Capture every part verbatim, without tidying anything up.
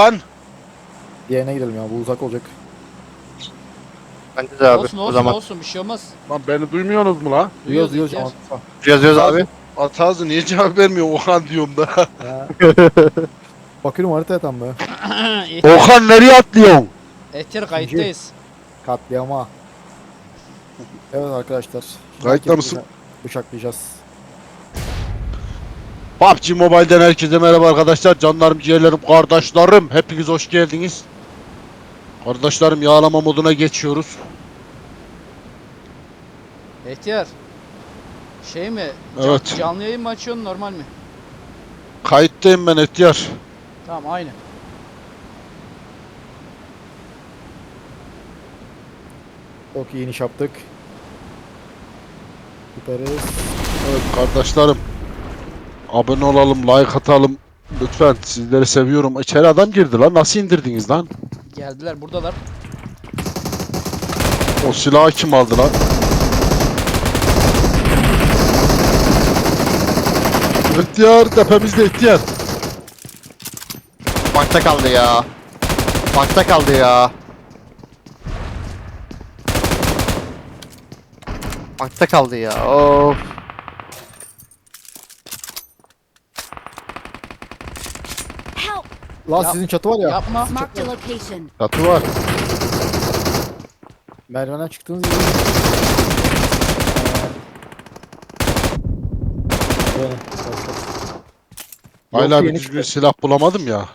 lan. Diğerine gidelim ya, bu uzak olacak. Bence de abi. Olsun O olsun zaman olsun bir şey olmaz. Lan beni duymuyorsunuz mu lan? Duyuyoruz Duyuyoruz duyuyoruz. ihtiyar. Ama- yazıyoruz abi. At ağzı niye cevap vermiyor Okan diyorum da. Ha. Bakıyorum haritaya tam be. İhtiyar, Okan nereye atlıyorsun? ihtiyar kayıttayız. Katliama. Evet arkadaşlar. Kayıtta Herkesi mısın? bıçak- Bıçaklayacağız. P U B G Mobile'den herkese merhaba arkadaşlar. Canlarım, ciğerlerim, kardeşlerim. Hepiniz hoş geldiniz. Kardeşlerim, yağlama moduna geçiyoruz. İhtiyar. Şey mi? Evet. Can, canlı yayın mı açıyorsun normal mi? Kayıttayım ben ihtiyar. Tamam aynı. Çok iyi iniş yaptık. Süperiz. Evet kardeşlerim. Abone olalım, like atalım. Lütfen, sizleri seviyorum. İçeri adam girdi lan. Nasıl indirdiniz lan? Geldiler buradalar. O silahı kim aldı lan? İhtiyar, tepemizde ihtiyar. Bankta kaldı ya. Bankta kaldı ya. Bankta kaldı ya. Of. Help! Lan Yap- sizin çatı var ya. Yapma. Marked a location. Çatı var. Merdivenden çıktığınız gibi. Böyle. Hala Yok, bir yeni düzgün çıktı. silah bulamadım ya.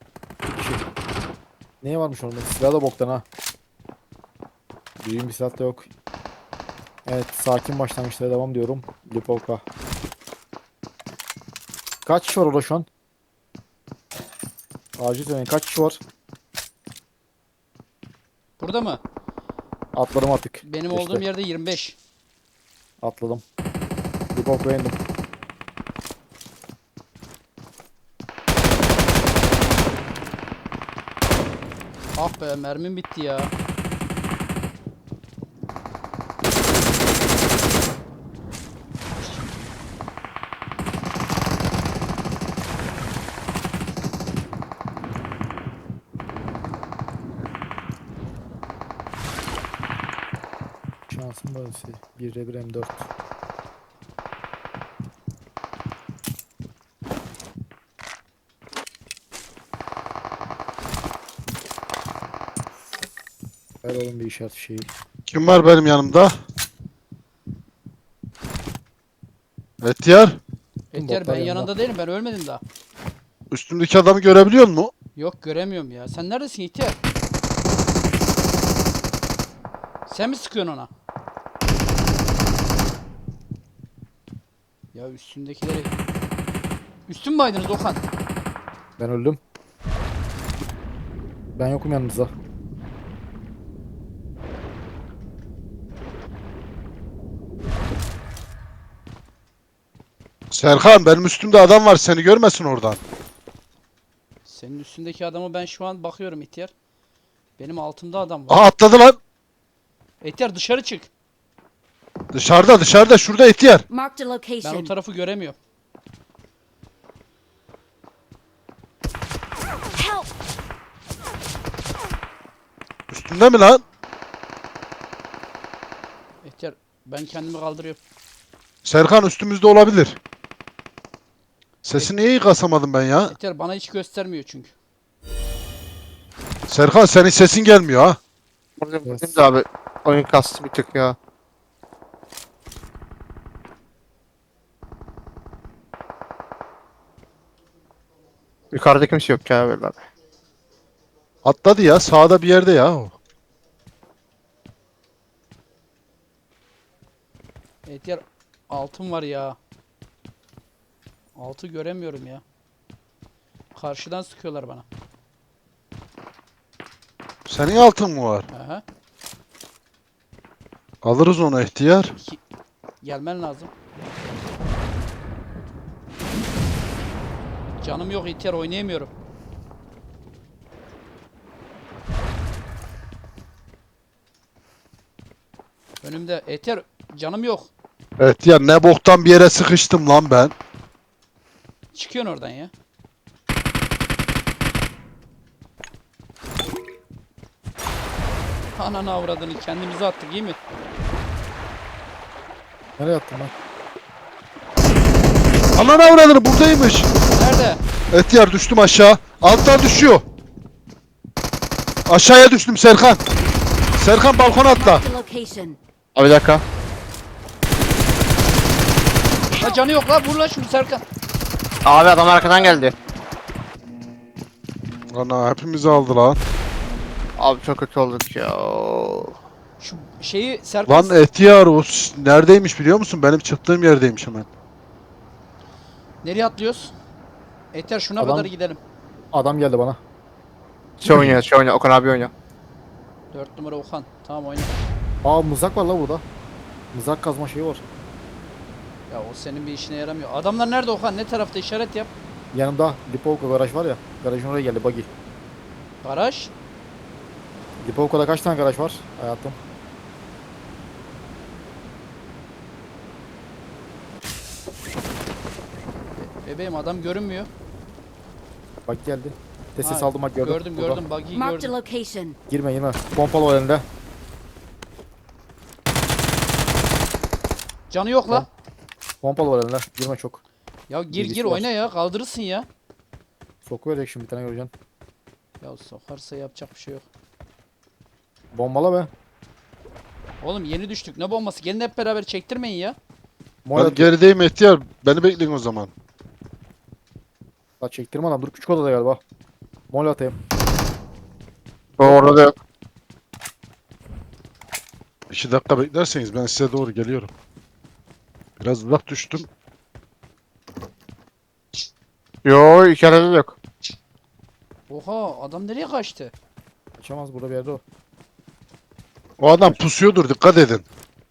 Neye varmış orada? Silah da boktan ha. Düğün bir silah da yok. Evet, sakin başlangıçlara devam diyorum. Lipovka. Kaç kişi var orada şu an? Acil söyleyin, kaç kişi var? Burada mı? Atladım artık. Benim Geçti. olduğum yerde yirmi beş. Atladım. Lipovka'ya indim. Ah be mermim bitti ya. Şansım böylesi. bir'e bir M dört. Ver oğlum bir işaret şeyi. Kim var benim yanımda? İhtiyar, İhtiyar botlar ben yanında. yanında değilim, ben ölmedim daha. üstümdeki adamı görebiliyor musun? Yok göremiyorum ya. Sen neredesin ihtiyar? Sen mi sıkıyorsun ona? Ya üstündekileri... Üstün mü aydınız Okan? Ben öldüm. Ben yokum yanınızda. Serkan, benim üstümde adam var, seni görmesin oradan. Senin üstündeki adamı ben şu an bakıyorum ihtiyar. Benim altımda adam var. Aha, atladı lan. İhtiyar dışarı çık. Dışarıda, dışarıda, şurada ihtiyar. Marked a Ben o location. tarafı göremiyorum. Help! Üstünde mi lan? İhtiyar ben kendimi kaldırıyorum. Serkan, üstümüzde olabilir. Sesini iyi kasamadım ben ya. İhtiyar bana hiç göstermiyor çünkü. Serkan, senin sesin gelmiyor ha. Bugün, Yes. bugün de abi. Oyun kastı bir tık ya. Yukarıda kimse yok ya böyle abi. Atladı ya, sağda bir yerde ya o. İhtiyar altın var ya. Altı göremiyorum ya. Karşıdan sıkıyorlar bana. Senin altın mı var? Aha. Alırız onu ihtiyar. İki... Gelmen lazım. Canım yok ihtiyar, oynayamıyorum. Önümde ihtiyar, canım yok. Evet ya, ne boktan bir yere sıkıştım lan ben. Çıkıyorsun oradan ya. Ananı avradını kendimize attık iyi mi? Nereye attın lan? Ananı avradını buradaymış. Nerede? Etiyar düştüm aşağı. Alttan düşüyor. Aşağıya düştüm Serkan. Serkan balkona atla. Marked a location. Abi bir dakika. La canı yok la vur la şunu Serkan. Abi adam arkadan geldi. Ana hepimizi aldı lan. Abi çok kötü olduk ya. Şu şeyi Serkan. Lan Etiyar o s- neredeymiş biliyor musun? Benim çıktığım yerdeymiş hemen. Nereye atlıyoruz? Eter şuna Adam- kadar gidelim. Adam geldi bana. Şey oynuyor, şey oynuyor. Okan abi oynuyor. dört numara Okan. Tamam oyna. Aa mızrak var la burada. Mızrak kazma şeyi var. Ya o senin bir işine yaramıyor. Adamlar nerede Okan? Ne tarafta işaret yap. Yanımda Lipovka garaj var ya. Garajın oraya geldi buggy. Garaj. Lipovka'da kaç tane garaj var hayatım? Bebeğim adam görünmüyor. Bak geldi. De ses Ha, aldım bak gördüm. Gördüm Burada. gördüm buggy'yi Marked a gördüm. location. Girme girme. Pompalı var elinde. Canı yok la. Pompalı var elinde. Girme çok. Ya gir Bilgisi gir var. oyna ya kaldırırsın ya. Sokuverecek şimdi bir tane göreceksin. Ya sokarsa yapacak bir şey yok. Bombala be. Oğlum yeni düştük ne bombası gelin hep beraber çektirmeyin ya. Mola Ben gerideyim Etiyar. Beni bekleyin o zaman. La çektirme adam. Dur küçük odada galiba. Mol atayım. O orada da yok. İki dakika beklerseniz ben size doğru geliyorum. Biraz uzak düştüm. Yo iki arada da yok. Oha adam nereye kaçtı? Kaçamaz burada bir yerde o. O adam pusuyordur dikkat edin.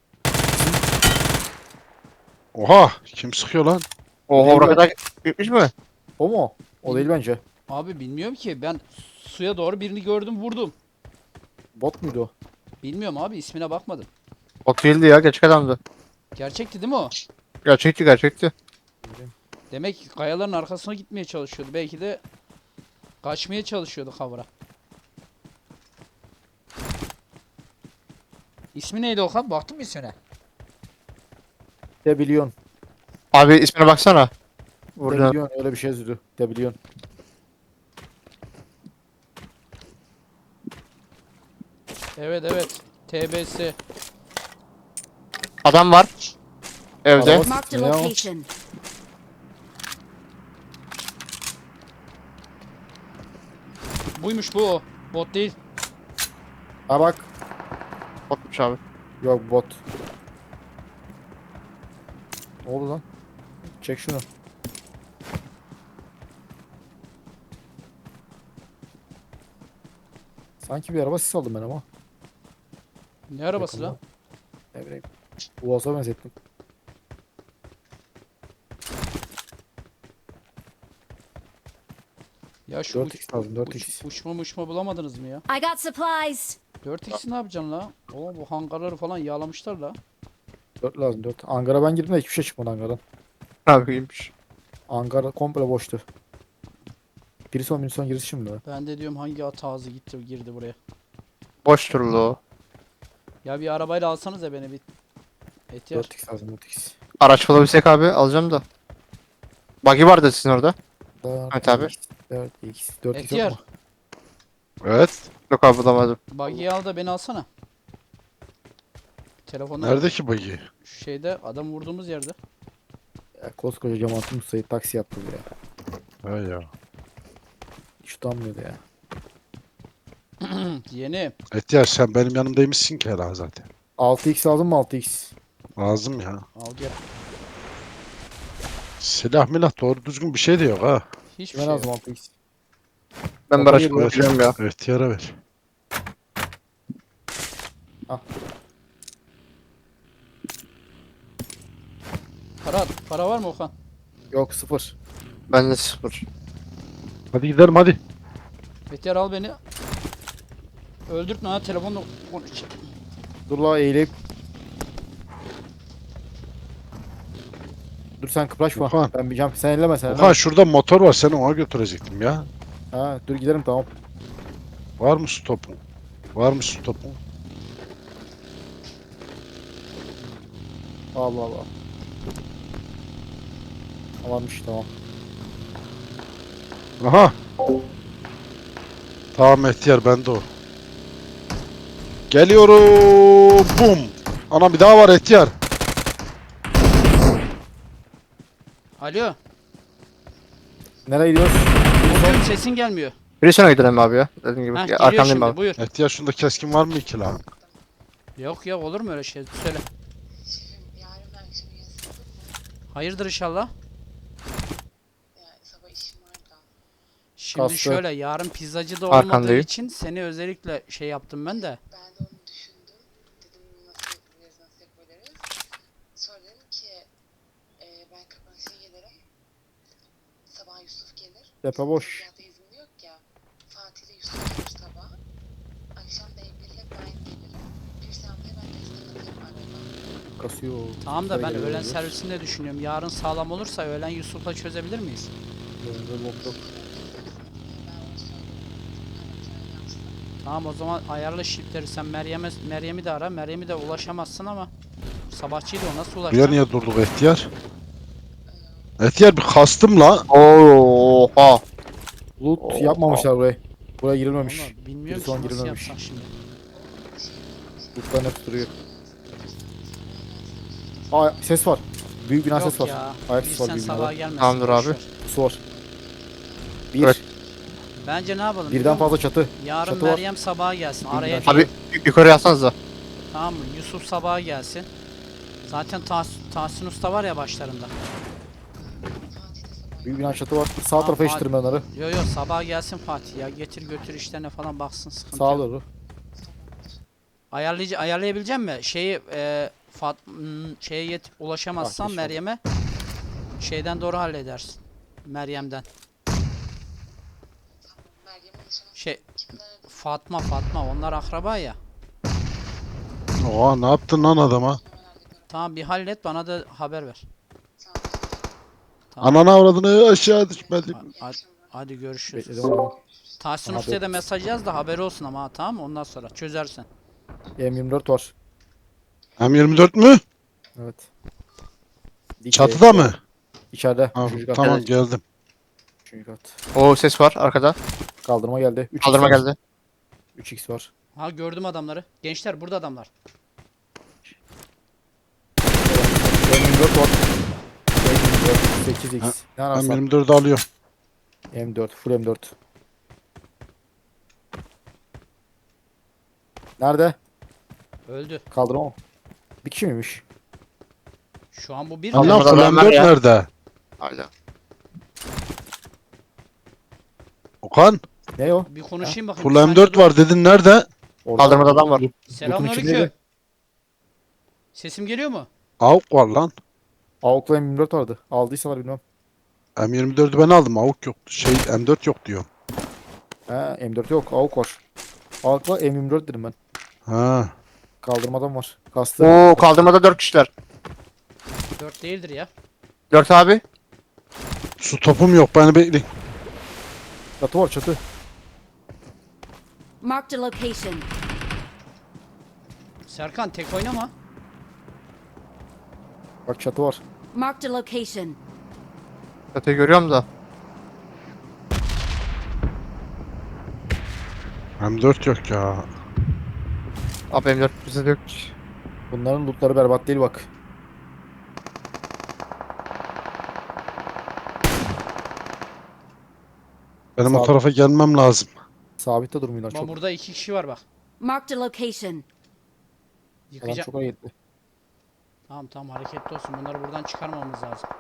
Oha kim sıkıyor lan? Oha Değil oraya mi? kadar gitmiş mi? O mu? O değil bence. Abi bilmiyorum ki ben suya doğru birini gördüm vurdum. Bot muydu o? Bilmiyorum abi ismine bakmadım. Bot değildi ya, gerçek adamdı. Gerçekti değil mi o? Gerçekti gerçekti. Demek ki kayaların arkasına gitmeye çalışıyordu. Belki de kaçmaya çalışıyordu kavra. İsmi neydi Okan? Baktın mı ismine? Debilyon. Abi ismine baksana. Burada. Debilyon öyle bir şey yazıyordu. Debilyon. Evet evet. T B S. Adam var. Evde. Araba- Marked a Ne o? location. Buymuş bu o. Bot değil. Ha bak. Botmuş abi. Yok bot. Ne oldu lan? Çek şunu. Sanki bir araba sis aldım ben ama. Ne arabası Yakında. lan? Ne bileyim. Uaz'a benzettim. Ya şu dört uç, x lazım dört uç, x. uçma uçma bulamadınız mı ya? I got supplies. dört x'i ne yapacaksın la? Oo bu hangarları falan yağlamışlar la. dört lazım dört. Angara ben girdim de hiçbir şey çıkmadı Angara'dan. Abi iyiymiş. Angara komple boştu. Birison Birison girişi şimdi. Ben de diyorum hangi at ağzı gitti girdi buraya. Boş durulu o. Ya bir arabayla alsanız ya beni bir. Etiyar. dört x lazım dört x. Araç bulabilsek abi alacağım da. Buggy vardı sizin orada. Evet abi. dört x. dört x Etiyar. yok mu? Evet. Yok abi bulamadım. Buggy'yi al da beni alsana. Telefonda Nerede ki bagi? şu şeyde adam vurduğumuz yerde. Ya, koskoca Cemalettin Usta'yı taksi yaptı ya. Ha ya. Hiç utanmıyordu ya. Yeni. Etiyar sen benim yanımdaymışsın ki herhalde zaten. altı x lazım mı altı x? Lazım ya. Al gel. Silah milah doğru düzgün bir şey de yok ha. Hiçbir Kime şey lazım yok. altı x? Ben bir Baba araç geliyor. bulacağım ya. Etiyar'a ver. Para at. Para var mı Okan? Yok sıfır. Ben de sıfır. Hadi gidelim hadi. Etiyar al beni. Öldürtme ha telefonla konuşacağım. Dur la eğilip. Dur sen kıpraşma. Okan. Ben bir jump. Sen elleme sen Okan elleme. şurada motor var seni ona götürecektim ya. Ha, dur gidelim tamam. Var mı stopun? Var mı stopun? Allah Allah. Varmış tamam. Aha. Tamam Etiyar bende o. Geliyorum. Bum. Ana bir daha var Etiyar. Alo. Nereye gidiyoruz? Bugün sesin gelmiyor. Bir sonra gidelim abi ya. Dediğim gibi. Ha Ya, geliyor arkandayım şimdi abi. buyur. Etiyar şunda keskin var mı iki lan? Yok yok olur mu öyle şey? Söyle. Yarın ben akşam yazıldım mı? Hayırdır inşallah. Yani sabah işim var da. Şimdi Kastı. şöyle yarın pizzacı da olmadığı Arkandayım. için seni özellikle şey yaptım ben de. Ben de onu düşündüm. Dedim nasıl yapabiliriz, nasıl yapabiliriz. Sonra dedim ki e, ben kapanışa gelirim. Sabah Yusuf gelir. Tepe boş. Zaten izni yok ya. Fatih ile Yusuf gelir sabah. Akşam da Emre'yle ben gelirim. Bir saatte ben teslim atarım araba. Kasıyor. Tamam da ben Geliyor öğlen oluyoruz. servisini de düşünüyorum. Yarın sağlam olursa öğlen Yusuf'la çözebilir miyiz? Böyle bok yok. Ben onu söyleyeyim. Aracı yapsın. Tamam o zaman ayarla shiftleri sen Meryem'e Meryem'i de ara. Meryem'i de ulaşamazsın ama sabahçıydı o nasıl Buraya ulaşacak? niye durduk Etiyar? Etiyar bir kastım la. Oha. Loot yapmamışlar burayı. Buraya girilmemiş. Vallahi bilmiyorum Bir ki son nasıl girilmemiş. yapsak şimdi. Lootların hep duruyor. Aa ses var. Büyük bina ses Yok var. ya. Ayak Bir sesi var sen büyük sabaha binada. gelmesin. Tamamdır boş abi. ver. Su var. Bir. Evet. Bence ne yapalım? biliyor Birden musun? fazla çatı. Yarın Çatı var. Meryem sabaha gelsin. Bir Araya binada. Abi y- yukarı yazsanız da. tamam mı? Yusuf sabaha gelsin. Zaten Tahs Tahsin Usta var ya başlarında. Büyük bina çatı var. Sağ Tamam, tarafa Fatih. iştirme onları. Yo yo sabaha gelsin Fatih ya. Getir götür işlerine falan baksın sıkıntı Sağa yok. doğru. Ayarlayıcı ayarlayabilecek mi? Şeyi e, Fat hmm, şeye yetip ulaşamazsan Ah, inşallah. Meryem'e şeyden doğru halledersin. Meryem'den. Meryem'e ulaşamaz. Şey Kimler arada Fatma Fatma onlar akraba ya. Oha ne yaptın lan adama? hemen hallederim. Tamam bir hallet bana da haber ver. Sağ ol. Tamam. Anana avradını aşağı düşmedi. Ha- Hadi, hadi görüşürüz. Bekledim onu. Tahsin Aha, Usta'ya da dur. mesaj yaz da haberi olsun ama ha, tamam mı? Ondan sonra çözersin. M yirmi dört var. M yirmi dört mü? Evet. Dik Çatıda de- mı? İçeride. Ha, Üçüncü kat. tamam geldim. Üçüncü kat. O ses var arkada. Kaldırma geldi. üç x Kaldırma var. geldi. üç x var. Ha gördüm adamları. Gençler burada adamlar. M yirmi dört var. M yirmi dört. sekiz x. Ha, Ne M ararsan. yirmi dördü alıyorum. M dört. Full M dört. Nerede? Öldü. Kaldırma mı? Bir kişi miymiş? Şu an bu bir Allah Kaldırmada full adam var M dört ya. nerede? Hala. Okan Ne o? bir konuşayım bakayım. full bir saniye M dört dur. var dedin nerede? Orada. Kaldırmada adam var. Selamünaleyküm. içindeydi. Sesim geliyor mu? Avuk var lan. Avukla M yirmi dört vardı. Aldıysalar bilmem. M yirmi dördü ben aldım. Avuk yok. Şey M dört yok diyor. He M dört yok. Avuk var. Avukla M yirmi dört dedim ben. Ha. Kaldırmadan var. Kastı. Oo kaldırmada dört kişiler. Dört değildir ya. Dört abi. Su topum yok. Beni bekleyin. Çatı var çatı. Marked a location. Serkan tek oynama. Bak çatı var. Marked a location. Çatıyı görüyorum da. M dört yok ya. Abi M dört bize de yok. Bunların lootları berbat değil bak. Benim Sağ o ol. tarafa gelmem lazım. Sabitte durmuyorlar Ama çok. burada iki kişi var bak. Marked a location. Alan Yıkacağım. çok hareketli. Tamam tamam hareketli olsun. Bunları buradan çıkarmamız lazım.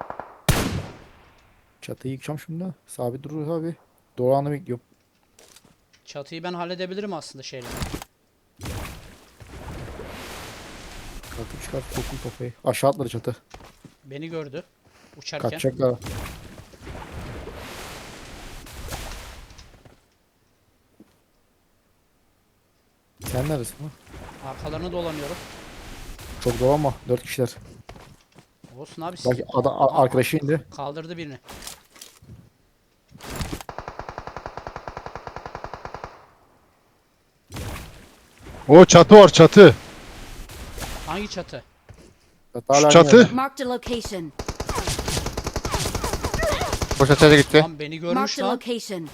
Çatıyı yıkacağım şimdi. Sabit durur abi. Doğru anı bekliyorum. Çatıyı ben halledebilirim aslında şeyle. Kalkıp çıkart sokun kafayı. Aşağı atladı çatı. Beni gördü. Uçarken. Kaçacaklar. Sen neredesin lan? Arkalarını dolanıyorum. Çok dolanma. Dört kişiler. Olsun abi. Bak adam, a- arkadaşı indi. Kaldırdı birini. O çatı var çatı. Hangi çatı? Hatta hala Şu aynı çatı. yerde. Marked a location. Boş ataya gitti. Lan beni görmüş Marked a lan. location.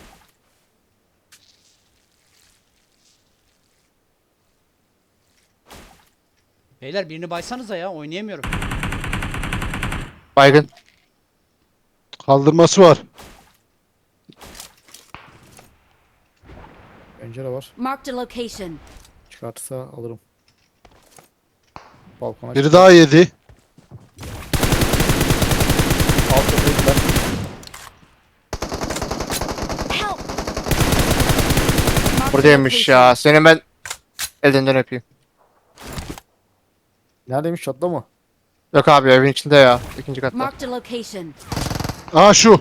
Beyler birini baysanıza ya, oynayamıyorum. Baygın. Kaldırması var. Pencere var. Marked a location. Çıkartırsa alırım. Balkona Biri çıktı. daha yedi. Alt kapıyı ben. Help! Marked a Buradaymış location. ya. Seni ben elinden öpeyim. Neredeymiş, çatıda mı? Yok abi evin içinde ya. İkinci katta. Marked a location. Aa şu.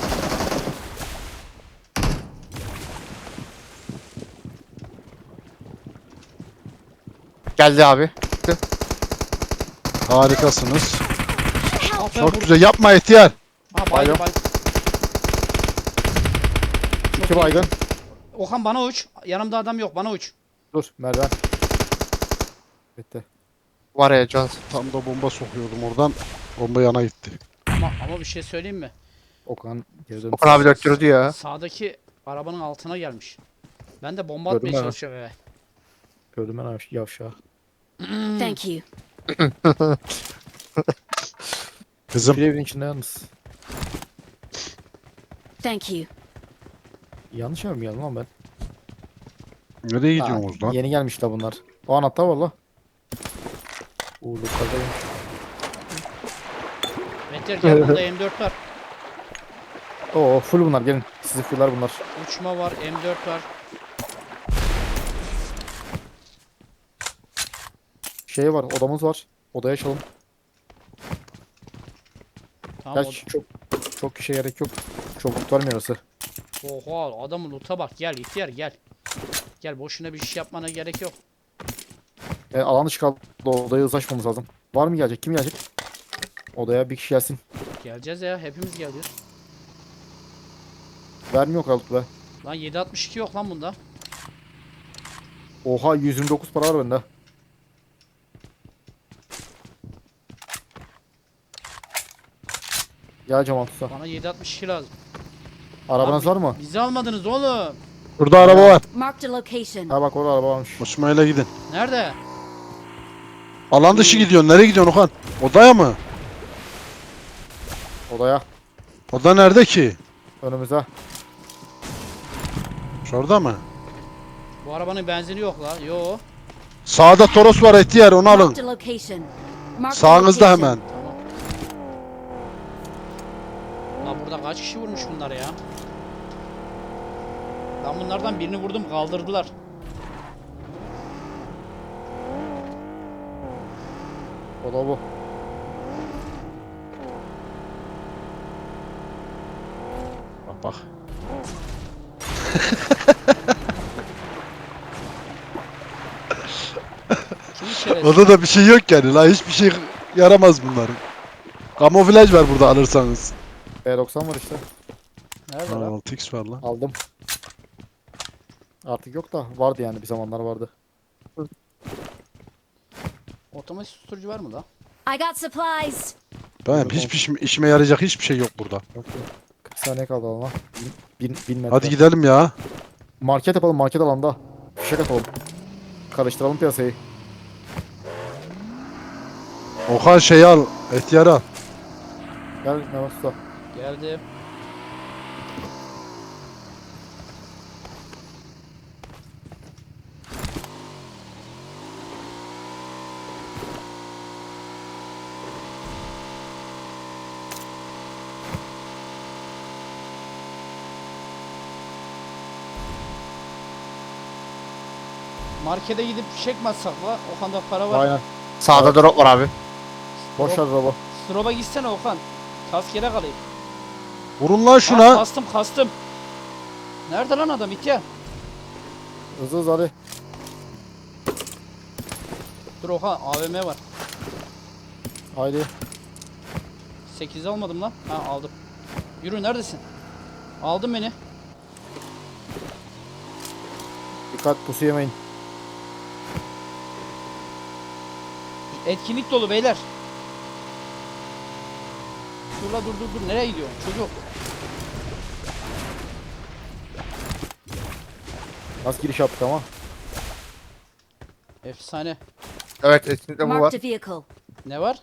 Geldi abi. Harikasınız. Ah be, Çok vur- güzel. Yapma ihtiyar. Ha baygın Baygın. baygın. Çok İki iyi. baygın. Okan bana uç. Yanımda adam yok, bana uç. Dur merdiven. Bitti. Var ya Jones. Tam da bomba sokuyordum oradan. Bomba yana gitti. Ama ama bir şey söyleyeyim mi? Okan geri dön. Okan abi döktürdü ya. Sağdaki arabanın altına gelmiş. Ben de bomba Gördüm atmaya ben. çalışıyorum eve. Gördüm ben yavş- yavşağı. Thank you. Kızım. Bir evin içinde yalnız. Thank you. Yanlış yer mi geldim lan ben? Nereye Ha, gidiyorsunuz lan? yeni gelmişler bunlar. O anahtar var la. Uuu yukarıdayım. Meteor gel, bunda M dört var. Oo full bunlar, gelin. Sizi fuller bunlar. Uçma var, M dört var. Şey var, odamız var. Odaya açalım. Tamam. Gerçi çok çok kişiye gerek yok. Çabuk vermiyor orası. o- Oha, adamın loot'a bak. Gel ihtiyar gel. Gel, boşuna bir şey yapmana gerek yok. E, alan dışı kaldı. Odaya hızlı açmamız lazım. Var mı gelecek? Kim gelecek? Odaya bir kişi gelsin. Geleceğiz ya, hepimiz geleceğiz. Vermiyor kalıp be. Lan yedi altmış iki yok lan bunda. Oha yüz yirmi dokuz para var bende. Gel Cemal Tusa. Bana yedi altmış iki lazım. Arabanız Lan var mı? Bizi almadınız oğlum. Burada araba var. Marked a location. Ha bak orada araba varmış. Osman'la gidin. Nerede? Alan dışı gidiyorsun. Nereye gidiyorsun Okan? Odaya mı? Odaya. Oda nerede ki? Önümüze. Şurada mı? Bu arabanın benzini yok la. Yo. Sağda Toros var ihtiyar, onu alın. Marked a location. Marked a Sağınızda location. hemen. Lan burada kaç kişi vurmuş bunlar ya? Ben bunlardan birini vurdum, kaldırdılar. Oda bu. Bak bak. Kim şerefsiz? Odada bir şey yok yani la, hiçbir şey yaramaz bunların. Kamuflaj var burada alırsanız. B doksan var işte. Nerede lan? altı x var lan. Aldım. Artık yok da vardı yani, bir zamanlar vardı. Otomatik susturucu var mı la? I got supplies. Benim hiçbir işime, işime yarayacak hiçbir şey yok burada. Yok yok. kırk saniye kaldı alana. Bin, bin, bin metre. Hadi gidelim ya. Market yapalım, market alanda. Fişek atalım. Karıştıralım piyasayı. Okan şey al, ihtiyar al. Gel Mehmet Usta. Geldi. Markete gidip fişek mi atsak la? Okan'da para var. Aynen. Sağda drop var abi. Boş ver araba. Stroba gitsene Okan. Kask yere kalayım. Vurun lan Aa, şuna. kastım kastım. Nerede lan adam ihtiyar? Hızlı hızlı hadi. Dur Okan, A V M var. Haydi. sekiz almadım lan. Ha aldım. Yürü, neredesin? Aldın beni. Dikkat, pusu yemeyin. Etkinlik dolu beyler. Dur la dur dur dur. Nereye gidiyorsun çocuk? Nasıl giriş yaptık ama? Efsane. Evet etkinlikte bu var. Marked a vehicle. Ne var?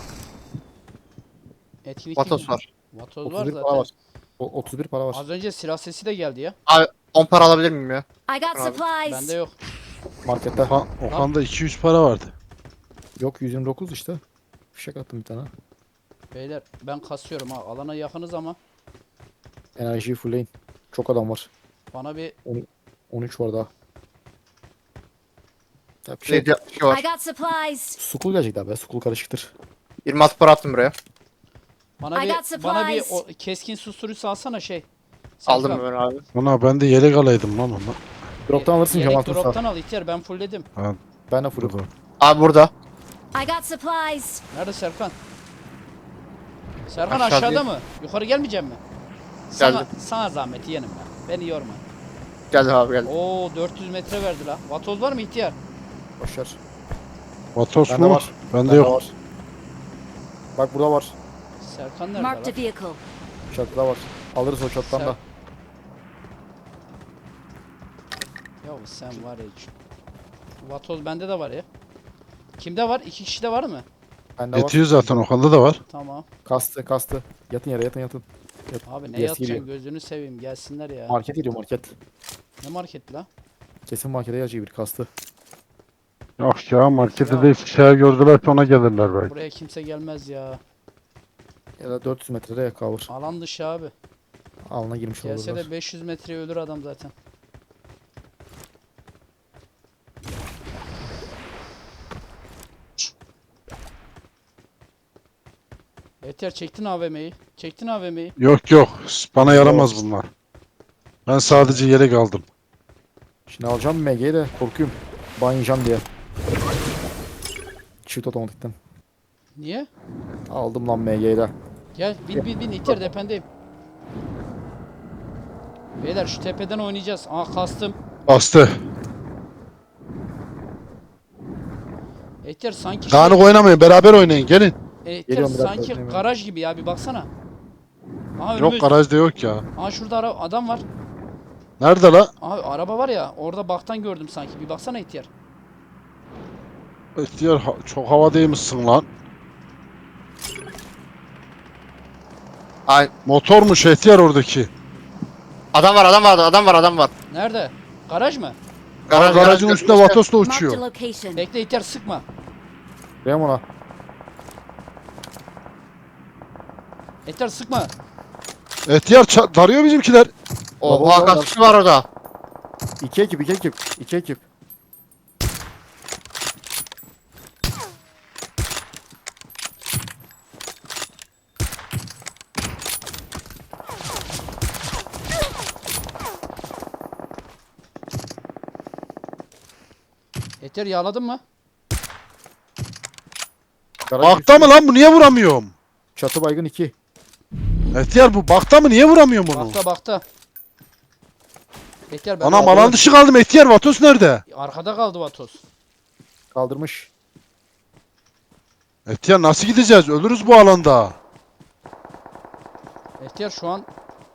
Etkinlik Vatos değil mi? var. Vatoz var otuz bir para zaten. var. O, otuz bir para var. Az önce silah sesi de geldi ya. Abi on para alabilir miyim ya? I got Abi, supplies. Bende yok. Markette. Okan, Okan'da iki yüz para vardı. Yok yüz yirmi dokuz işte. Fişek attım bir tane. Beyler ben kasıyorum ha. Alana yakınız ama Enerjiyi fullleyin. Çok adam var. bana bir on üç var daha. Ya bir şey. Şey, bir şey var. I got supplies. Sukul gelecek abi. Sukul karışıktır. yirmi altı para attım buraya. bana I bir got bana bir supplies. o, keskin susturucu alsana şey. Aldım Serkan, ben abi. Ana ben de yelek alaydım lan ona. Drop'tan alırsın Yelek Cemal Tursa. drop'tan al ihtiyar ben fullledim. Ben de fullüm. Abi burada. I got supplies. Nerede Serkan? Serkan Aşağı aşağıda değil. mı? Yukarı gelmeyecek mi? Sana, Geldim. sana zahmet yeğenim ben. Beni yorma. Geldi abi geldi. Oo dört yüz metre verdi la. Vatoz var mı ihtiyar? Boşver. Vatos Bende mu? var. Bende Bende yok. var. Bak burada var. Serkan nerede Marked la? a vehicle. Çatıda var. Alırız o çatıdan Sen- da. Ya sen var ya. şu- Vatoz bende de var ya. Kimde var? İki kişide var mı? Bende var. Yetiyor zaten Okan'da da var. Tamam. Kastı kastı. Yatın yere yatın yatın. Abi ne Yes, yatacaksın geliyor. gözünü seveyim gelsinler ya. Market geliyor market. Ne market la? Kesin markete gelecek bir kastı. Yok ya markette Ya. de şey gördüler ona gelirler belki. Buraya kimse gelmez ya. Ya da dört yüz metrede yakavur. Alan dışı abi. Alına girmiş Gelse olurlar. de beş yüz metreye ölür adam zaten. Yeter çektin A V M'yi. Çektin A V M'yi. Yok yok bana yaramaz bunlar. Ben sadece yelek aldım. Şimdi alacağım M G'yi de korkuyorum. Ban yiyeceğim diye. Çift otomatikten. Niye? Aldım lan M G'yi de. Gel bin bin bin itir dependeyim. Beyler şu tepeden oynayacağız. Aa kastım. Bastı. Etyer sanki Dağınık oynamayın beraber oynayın gelin. Etyer Geliyorum bir dakika, sanki oynayayım. garaj gibi ya bir baksana. Aha Yok önümüz. garajda yok ya. Aha şurada ara- adam var. Nerede la? Abi araba var ya orada baktan gördüm sanki. Bir baksana ihtiyar. İhtiyar ha- çok havadaymışsın lan. Ay, Motormuş ihtiyar oradaki. adam var adam var adam var adam var. Nerede? Garaj mı? Garaj, Garajın garaj, üstünde işte. Vatos'la Marked a uçuyor. location. Bekle ihtiyar sıkma. Benim ona. İhtiyar sıkma. İhtiyar ça- darıyor bizimkiler. Oha kaç kişi var orada. İki ekip iki ekip. İki ekip. İhtiyar yağladın mı? Garajın Bakta üstü- mı lan bu niye vuramıyorum? Çatı baygın iki. İhtiyar bu bakta mı niye vuramıyorum bunu? Bakta bakta. İhtiyar ben Anam aldım. alan dışı kaldım ihtiyar Vatos nerede? Arkada kaldı Vatos. Kaldırmış. İhtiyar nasıl gideceğiz? Ölürüz bu alanda. İhtiyar şu an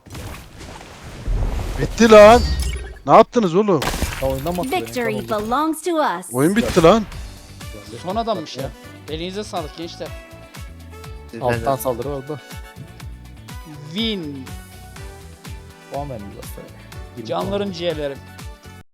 Bitti lan. Ne yaptınız oğlum? Ya oyundan mı attı beni? Victory Tamam. belongs to us. Oyun bitti lan. son adammış ya. Elinize sağlık gençler. Alttan saldırı oldu. Win. Puan vermiyor aslında. Canlarım ciğerlerim.